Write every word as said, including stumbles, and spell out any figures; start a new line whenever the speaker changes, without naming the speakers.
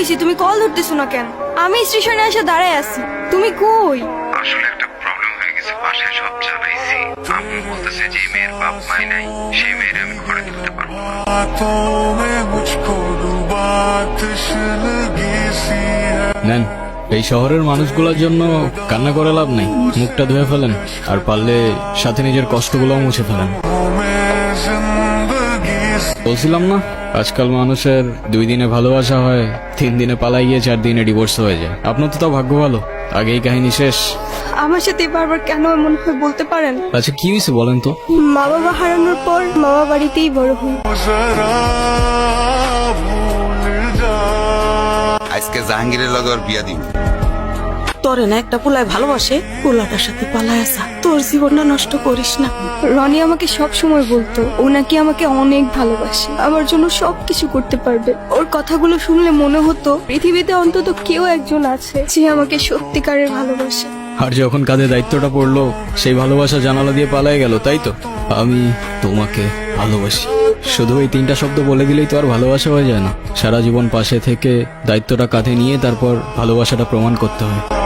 হয়েছে? তুমি কল ধরতেছো না কেন? আমি স্টেশনে এসে দাঁড়ায় আছি, তুমি কই?
আসলে একটা প্রবলেম হয়ে গেছে, বাসায় সব জানাইছি। আম্মু বলতেছে যে মেয়ের বাপ মাই নাই, সেই মেয়ের আমি ঘরে তুলতে পারবো না।
নেন, এই শহরের মানুষগুলোর জন্য কান্না করে লাভ নেই। মুখটা ধুয়ে ফেলেন, আর পারলে সাথে নিজের কষ্টগুলোও মুছে ফেলেন। বলছিলাম না, আজকাল মানুষের দুই দিনে ভালোবাসা হয়, তিন দিনে পালাই গিয়ে চার দিনে ডিভোর্স হয়ে যায়। আপনার তো তাও ভাগ্য ভালো, আগেই কাহিনী শেষ।
আমার সাথে বারবার কেন এমন হয় বলতে পারেন?
আচ্ছা কি হয়েছে বলেন তো?
মা বাবা হারানোর পর মামা বাড়িতেই বড় হই।
আজকে জাহাঙ্গীরের লগে ওর বিয়া দিব।
তোরে না একটা পোলায় ভালোবাসে, পোলাটার সাথে পালায় আসা, তোর জীবনটা নষ্ট করিস না।
রনি আমাকে সব সময় বলতো ও নাকি আমাকে অনেক ভালোবাসে, আমার জন্য সবকিছু করতে পারবে। ওর কথাগুলো শুনলে মনে হতো পৃথিবীতে অন্তত কেউ একজন আছে যে আমাকে সত্যিকারের ভালোবাসে।
আর যখন কাঁধে দায়িত্বটা পড়লো, সেই ভালোবাসা জানালা দিয়ে পালায় গেল, তাই তো? আমি তোমাকে ভালোবাসি, শুধু এই তিনটা শব্দ বলে দিলেই তো আর ভালোবাসা হয়ে যায় না। সারা জীবন পাশে থেকে দায়িত্বটা কাঁধে নিয়ে তারপর ভালোবাসাটা প্রমাণ করতে হয়।